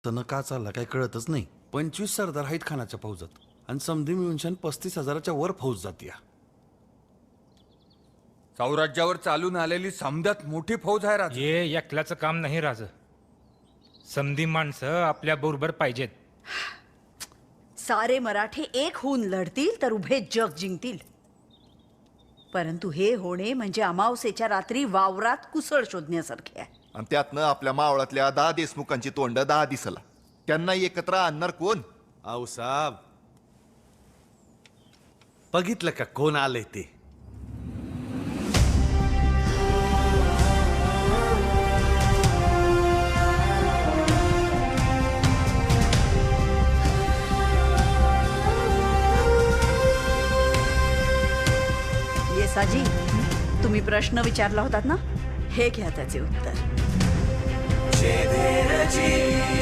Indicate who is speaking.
Speaker 1: तन का चालला काय कळतच नाही. 25 सरदार आहेत खानाच्या फौजात आणि समधी मिळून 35,000च्या वर फौज जातीय.
Speaker 2: सौराज्यावर चालून आलेली समद्यात मोठी फौज आहे राजा.
Speaker 3: हे एकल्याचं काम नाही राज. समधी माणसं आपल्या बरोबर पाहिजेत.
Speaker 4: सारे मराठे एक होऊन लढतील तर उभे जग जिंकतील. परंतु हे होणे म्हणजे अमावस्येच्या रात्री वावरात कुसळ शोधण्यासारखे आहे.
Speaker 5: आणि त्यातनं आपल्या मावळातल्या 10 देशमुखांची तोंड 10 दिसला. त्यांना एकत्र आणणार कोण?
Speaker 1: आऊसाब बघितलं का कोण आलंय ते.
Speaker 4: येसाजी, तुम्ही प्रश्न विचारला होतात ना, हे घ्या त्याचे उत्तर.